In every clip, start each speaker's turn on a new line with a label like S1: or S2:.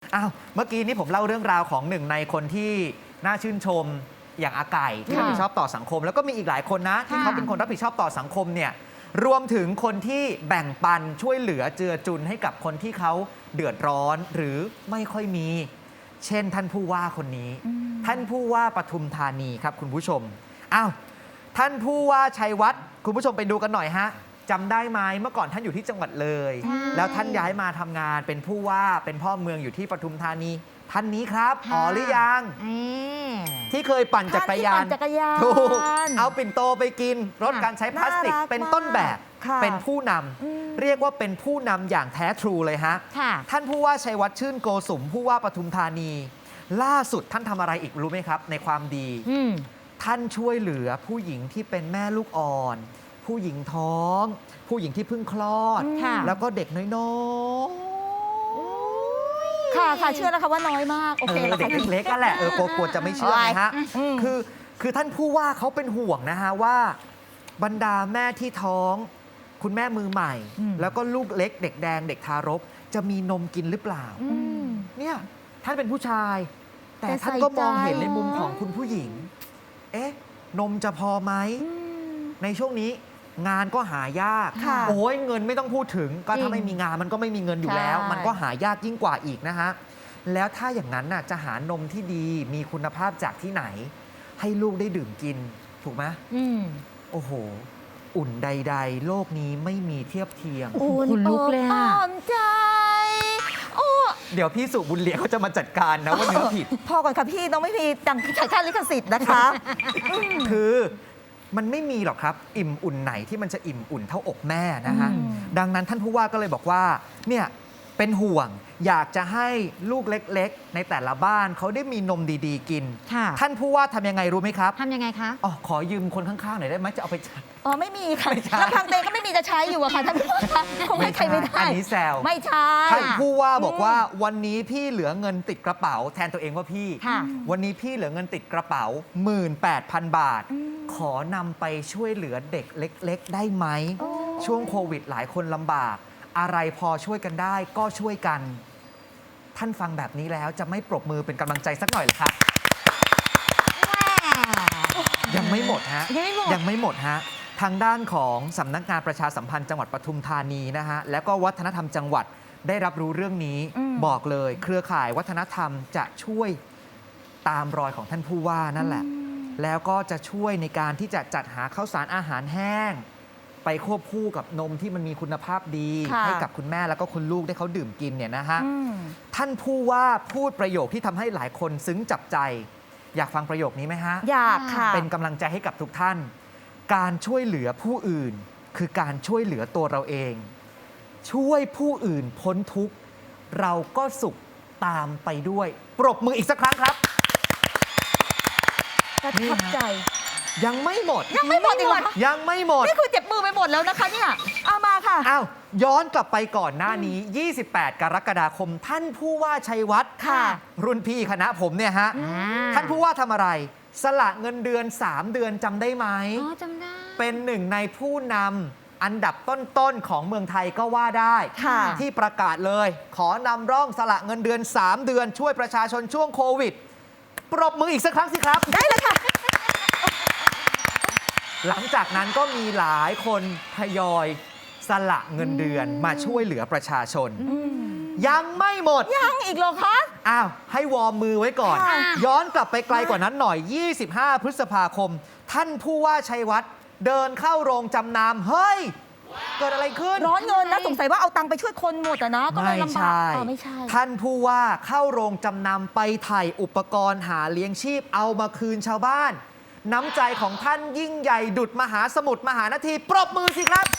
S1: อ้าวเมื่อกี้นี้ผมเล่าเรื่องราวของหนึ่งในคนที่น่าชื่นชมอย่างอาไก่ที่รับผิดชอบต่อสังคม แล้วก็มีอีกหลายคนนะที่เขาเป็นคนรับผิดชอบต่อสังคมเนี่ยรวมถึงคนที่แบ่งปันช่วยเหลือเจือจุนให้กับคนที่เขาเดือดร้อนหรือไม่ค่อยมี เช่นท่านผู้ว่าคนนี้ ท่านผู้ว่าปทุมธานีครับคุณผู้ชมอ้าวท่านผู้ว่าชัยวัฒน์คุณผู้ชมไปดูกันหน่อยฮะจำได้ไหมเมื่อก่อนท่านอยู่ที่จังหวัดเลยแล้วท่านย้ายมาทำงานเป็นผู้ว่าเป็นพ่อเมืองอยู่ที่ปทุมธานีท่านนี้ครับอ๋อหรือยังที่เคยปั่นจักรยานถูกเอาปิ่นโตไปกินลดการใช้พลาสติกเป็นต้นแบบเป็นผู้นำเรียกว่าเป็นผู้นำอย่างแท้ทรูเลยฮะท่านผู้ว่าชัยวัฒน์ชื่นโกสุมผู้ว่าปทุมธานีล่าสุดท่านทำอะไรอีกรู้ไหมครับในความดีท่านช่วยเหลือผู้หญิงที่เป็นแม่ลูกอ่อนผู้หญิงท้อง ผู้หญิงที่เพิ่งคลอดแล้วก็เด็กน้อย
S2: ค่ะเชื่อแล้วค่ะว่าน้อยมากโอเค
S1: เด็กเล็กๆก็แหละกลัวจะไม่เชื่อนะฮะคือท่านผู้ว่าเขาเป็นห่วงนะฮะว่าบรรดาแม่ที่ท้องคุณแม่มือใหม่แล้วก็ลูกเล็กเด็กแดงเด็กทารกจะมีนมกินหรือเปล่าเนี่ยท่านเป็นผู้ชายแต่ท่านก็มองเห็นในมุมของคุณผู้หญิงนมจะพอไหมในช่วงนี้งานก็หายากโอ้ยเงินไม่ต้องพูดถึงก็ถ้าไม่มีงานมันก็ไม่มีเงินอยู่แล้วมันก็หายากยิ่งกว่าอีกนะฮะแล้วถ้าอย่างนั้นน่ะจะหานมที่ดีมีคุณภาพจากที่ไหนให้ลูกได้ดื่มกินถูกไหมโอ้โหอุ่นใดๆโลกนี้ไม่มีเทียบเทียม
S2: คุณลุกเลยอ่ะใจ
S1: เดี๋ยวพี่สุบุญเหลียเขาจะมาจัดการนะว่าเนื้อผิด
S2: พอก่อนค่ะพี่น้องไม่มีดังถ่ายค่าลิขสิทธิ์นะคะ
S1: คือมันไม่มีหรอกครับอิ่มอุ่นไหนที่มันจะอิ่มอุ่นเท่าอกแม่นะฮะดังนั้นท่านผู้ว่าก็เลยบอกว่าเนี่ยเป็นห่วงอยากจะให้ลูกเล็กๆในแต่ละบ้านเขาได้มีนมดีๆกินท่านผู้ว่าทำยังไงรู้ไหมครับ
S2: ทำยังไงคะ
S1: ขอยืมคนข้างๆหน่อยได้ไหมจะเอาไป
S2: ไม่มีค่ะลำพังเตงก็ไม่มีจะใช้อยู่อะค่ะท่านผู้ว่าคงให้ใครไม่ได้
S1: อันนี้แซว
S2: ไม่ใช่
S1: ท่านผู้ว่าบอกว่าวันนี้พี่เหลือเงินติดกระเป๋าแทนตัวเองว่าพี่วันนี้พี่เหลือเงินติดกระเป๋า 18,000 บาทขอนำไปช่วยเหลือเด็กเล็กๆได้ไหมช่วงโควิดหลายคนลำบากอะไรพอช่วยกันได้ก็ช่วยกันท่านฟังแบบนี้แล้วจะไม่ปรบมือเป็นกำลังใจสักหน่อยเหรอครับยังไม่หมดฮะยังไม่หมดฮะทางด้านของสำนักงานประชาสัมพันธ์จังหวัดปทุมธานีนะฮะแล้วก็วัฒนธรรมจังหวัดได้รับรู้เรื่องนี้บอกเลยเครือข่ายวัฒนธรรมจะช่วยตามรอยของท่านผู้ว่านั่นแหละแล้วก็จะช่วยในการที่จะจัดหาข้าวสารอาหารแห้งไปควบคู่กับนมที่มันมีคุณภาพดีให้กับคุณแม่แล้วก็คุณลูกได้เขาดื่มกินเนี่ยนะฮะท่านผู้ว่าพูดประโยคที่ทำให้หลายคนซึ้งจับใจอยากฟังประโยคนี้ไหมฮะ
S2: อยากค่ะ
S1: เป็นกำลังใจให้กับทุกท่านการช่วยเหลือผู้อื่นคือการช่วยเหลือตัวเราเองช่วยผู้อื่นพ้นทุกข์เราก็สุขตามไปด้วยปรบมืออีกสักครั้งครับ
S2: ประทับใจ
S1: ยังไม่หมด
S2: ยังไม่หมดอีกเหรอ
S1: ยังไม่หมด
S2: นี่คือเจ็บมือไปหมดแล้วนะคะเนี่ยเอามาค่ะ
S1: ย้อนกลับไปก่อนหน้านี้28 กรกฎาคมท่านผู้ว่าชัยวัฒน์รุ่นพี่คณะผมเนี่ยฮะท่านผู้ว่าทำอะไรสละเงินเดือน3 เดือนจำได้ไหม
S2: จำได้
S1: เป็นหนึ่งในผู้นำอันดับต้นๆของเมืองไทยก็ว่าได้ที่ประกาศเลยขอนำร่องสละเงินเดือน3 เดือนช่วยประชาชนช่วงโควิดปรบมืออีกสักครั้งสิครับ
S2: ได้เลยค่ะ
S1: หลังจากนั้นก็มีหลายคนทยอยสละเงินเดือนมาช่วยเหลือประชาชนยังไม่หมด
S2: ยังอีกเหรอคะ
S1: ให้วอร์มมือไว้ก่อนย้อนกลับไปไกลกว่านั้นหน่อย25 พฤษภาคมท่านผู้ว่าชัยวัฒน์เดินเข้าโรงจำนำเฮ้ยเกิดอะไรขึ้น
S2: ร้อนเงินนะสงสัยว่าเอาตังค์ไปช่วยคนหมดนะก็เลยลำบาก
S1: ไม่ใช่ท่านผู้ว่าเข้าโรงจำนำไปไถ่อุปกรณ์หาเลี้ยงชีพเอามาคืนชาวบ้านน้ำใจของท่านยิ่งใหญ่ดุจมหาสมุทรมหานาทีปรบมือสิครับ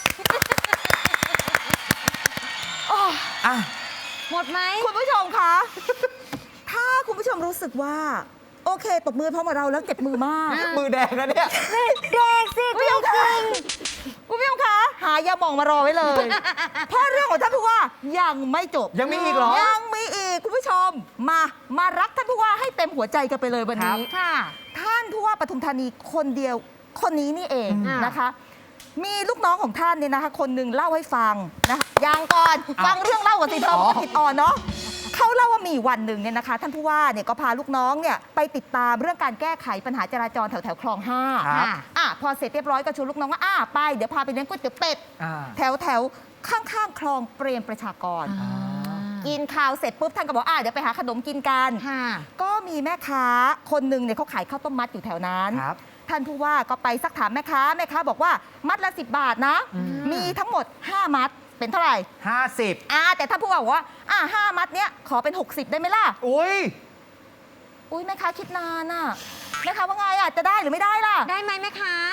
S2: หมดไหมคุณผู้ชมคะถ้าคุณผู้ชมรู้สึกว่าโอเคตบมือพร้อมกับเราแล้วเก็บมือมาก
S1: มือแดงนะเนี่ย
S2: แดงสิคุณผู้ชมคะคุณผู้ชมคะหายาหม่องมารอไว้เลยเพราะเรื่องของท่านผู้ว่ายังไม่จบ
S1: ยังมีอีกเหรอ
S2: ยังมีอีกคุณผู้ชมมารักท่านผู้ว่าให้เต็มหัวใจกันไปเลยวันนี้ค่ะท่านผู้ว่าปทุมธานีคนเดียวคนนี้นี่เองนะคะมีลูกน้องของท่านเนี่ยนะคะคนหนึ่งเล่าให้ฟังนะคะยังก่อนฟังเรื่องเล่าก่อนสิเธอผิดอ่อนเนาะเขาเล่าว่ามีวันหนึ่งเนี่ยนะคะท่านผู้ว่าเนี่ยก็พาลูกน้องเนี่ยไปติดตามเรื่องการแก้ไขปัญหาจราจรแถวคลอง 5
S1: ครับ
S2: พอเสร็จเรียบร้อยก็ชวนลูกน้องว่าไปเดี๋ยวพาไปเลี้ยงก๋วยเตี๋ยวเป็ด
S1: อ่า
S2: แถวข้างๆคลองเปรมประชากร
S1: อ่า
S2: กินข้าวเสร็จปุ๊บท่านก็บอกเดี๋ยวไปหาขนมกินกัน ก็มีแม่ค้าคนหนึ่งเนี่ยเขาขายข้าวต้มมัดอยู่แถวนั้น
S1: ครับ
S2: ท่านผู้ว่าก็ไปซักถามแม่ค้าบอกว่ามัดละ10 บาทนะ มีทั้งหมด 5 มัดเป็นเท่าไหร่
S1: 50
S2: แต่ท่านผู้ว่าบอกว่า5 มัดเนี้ยขอเป็น 60 ได้ไหมล่ะ
S1: อุ้ย
S2: แม่ค้าคิดนานอ่ะแม่ค้าว่าไงจะได้หรือไม่ได้ล่ะ
S3: ได้ไหมแม่ค้าน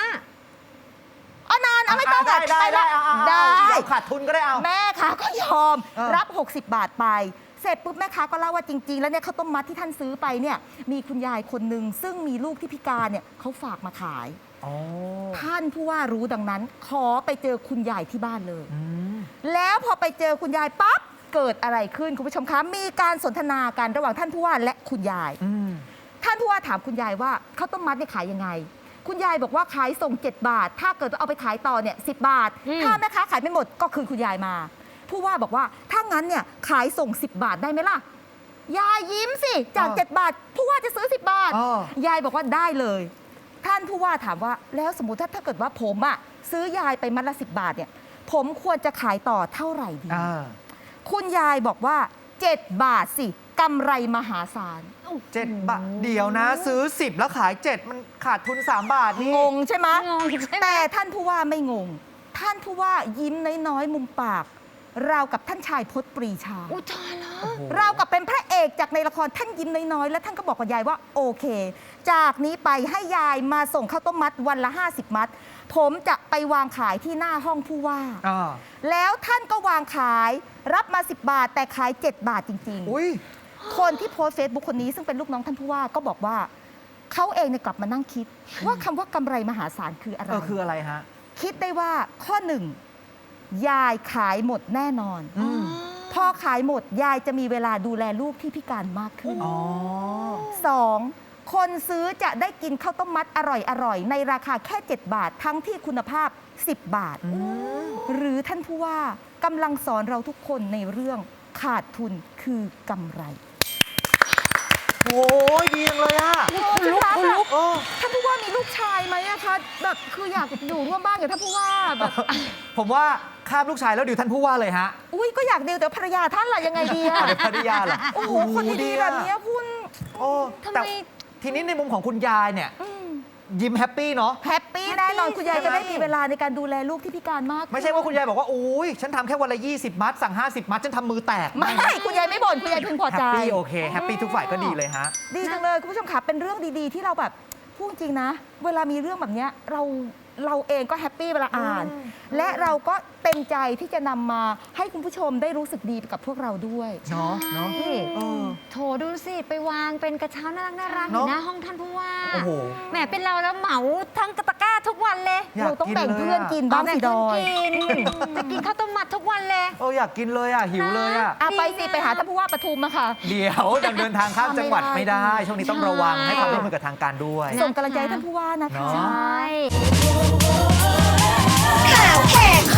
S2: านไม่ต้อง
S1: ได้
S2: ได้
S1: เดี๋ยวขาดทุนก็ได้เอา
S2: แม่ค้าก็ยอม
S1: เออ
S2: รับ 60 บาทไป เสร็จปุ๊บแม่ค้าก็เล่าว่าจริง ๆ แล้วเนี่ยข้าวต้มมัดที่ท่านซื้อไปเนี่ยมีคุณยายคนหนึ่งซึ่งมีลูกที่พิการเนี่ยเขาฝากมาขาย
S1: อ๋อ
S2: ท่านผู้ว่ารู้ดังนั้น ขอไปเจอคุณยายที่บ้านเลย
S1: อืม
S2: แล้วพอไปเจอคุณยายปั๊บเกิดอะไรขึ้นคุณผู้ชมคะมีการสนทนากันระหว่างท่านผู้ว่าและคุณยาย
S1: อืม
S2: ท่านผู้ว่าถามคุณยายว่าข้าวต้มมัดเนี่ยขายยังไง คุณยายบอกว่าขายส่ง 7 บาท ถ้าเกิดเอาไปขายต่อเนี่ย10 บาท ถ้าแม่ค้าขายไม่หมดก็คืนคุณยายมา ผู้ว่าบอกว่าถ้างั้นเนี่ยขายส่ง 10 บาทได้ไหมล่ะ ยายยิ้มสิจาก 7 บาท ผู้ว่าจะซื้อ 10 บาท ยายบอกว่าได้เลย ท่านผู้ว่าถามว่าแล้วสมมติถ้าเกิดว่าผมซื้อยายไปมัดละ10 บาทเนี่ยผมควรจะขายต่อเท่าไหร่ดี คุณยายบอกว่า 7 บาทสิกำไรมหาศาล
S1: 7 บาท เดี๋ยวนะ ซื้อ 10 แล้วขาย 7 มันขาดทุน 3 บาทนี่
S2: งงใช่ไหม
S3: งงใช่ไหม
S2: แต่ท่านผู้ว่าไม่งง ท่านผู้ว่ายิ้มน้อยๆมุมปาก ราวกับท่านชายพจน์ปรีชา
S3: อุยตายแล้ว
S2: ราวกับเป็นพระเอกจากในละครท่านยิ้มน้อยๆ และท่านก็บอกกับยายว่าโอเค จากนี้ไปให้ยายมาส่งข้าวต้มมัดวันละ 50 มัด ผมจะไปวางขายที่หน้าห้องผู้ว่า แล้วท่านก็วางขายรับมา 10 บาท แต่ขาย 7 บาทจริง
S1: อุ้ย
S2: ๆ คนที่โพสต์เฟซบุ๊กคนนี้ซึ่งเป็นลูกน้องท่านผู้ว่าก็บอกว่าเขาเองเนี่ยกลับมานั่งคิด ว่าคำว่ากำไรมหาศาลคืออะไร
S1: คืออะไรฮะ
S2: คิดได้ว่าข้อหนึ่งยายขายหมดแน่นอน
S1: อืม
S2: พอขายหมดยายจะมีเวลาดูแลลูกที่พิการมากขึ้น
S1: อ๋อ
S2: 2. คนซื้อจะได้กินข้าวต้มมัดอร่อยๆ ในราคาแค่ 7 บาท ทั้งที่คุณภาพ 10 บาท หรือท่านผู้ว่ากำลังสอนเราทุกคนในเรื่องขาดทุนคือกำไร
S1: โอ้ยดีจังเลยอ่ะ
S2: คุณลุก
S1: โอ้
S2: ท่านผู้ว่ามีลูกชายไหมอะคะแบบคืออยากอยู่ร่วมบ้านกับท่านผู้ว่าแบบ
S1: ผมว่าข้ามลูกชายแล้วดิวท่านผู้ว่าเลยฮะ
S2: อุ้ยก็อยากดีลแต่ภรรยาท่านล่ะยังไงดีอะ
S1: เดี๋ยวภรรยาเหรอ
S2: โอ้โหคนดีๆแบบเนี้ยคุณ
S1: โอ้
S3: ทำไม
S1: แต่ทีนี้ในมุมของคุณยายเนี่ย ยิ้มแฮปปี้เนาะ
S2: แฮปปี้แน่นอนคุณยายจะได้มีเวลาในการดูแลลูกที่พิการมากขึ้น
S1: ไม่ใช่ว่าคุณยายบอกว่าอุ้ยฉันทำแค่วันละ 20 มัด สั่ง 50 มัด ฉันทำมือแตก
S2: ไม่คุณยายไม่บ่นคุณยายพึงพอ
S1: แฮ
S2: ใจ
S1: ปปี้โอเค แฮปปี้ทุกฝ่ายก็ดีเลยฮะ
S2: ดีจังเลยคุณผู้ชมค่ะเป็นเรื่องดีๆ ที่เราแบบพูดจริงนะ เวลามีเรื่องแบบเนี้ยเราเองก็แฮปปี้เวลาอ่าน และเราก็เต็มใจที่จะนำมาให้คุณผู้ชมได้รู้สึกดีไปกับพวกเราด้วย
S1: เนาะเนาะ
S3: โถดูสิ ไปวางเป็นกระเช้าน่ารักๆอ
S1: เนอะ
S3: ยู่หน้าห้องท่านผู้ว่า
S1: โอ้โห
S3: แหมเป็นเราแล้วเหมาทั้งตะกร้าทุกวันเลย
S1: อยาก
S2: เราต้อง
S1: กิน
S2: แบ่ง
S1: เลย
S2: เพื่อน
S1: อะ
S2: กินบ้างสิดอย
S3: จะกินข้าวต้มมัดทุกวันเลย
S1: โอ้อยากกินเลยอ่ะ หิวเลยอ่ะ
S2: ไปสิไปหาท่านผู้ว่าปทุมมาค่ะ
S1: เดี๋ยวยังเดินทางข้ามจังหวัดไม่ได้ ช่วงนี้ต้องระวัง
S3: ใช่
S1: ให้ความร่วมมือกับทางการด้วย
S2: ส่งกำลังใจให้ท่านผู้ว่านะคะ
S1: เนอะ
S3: ใช่
S4: ข่าวแหกค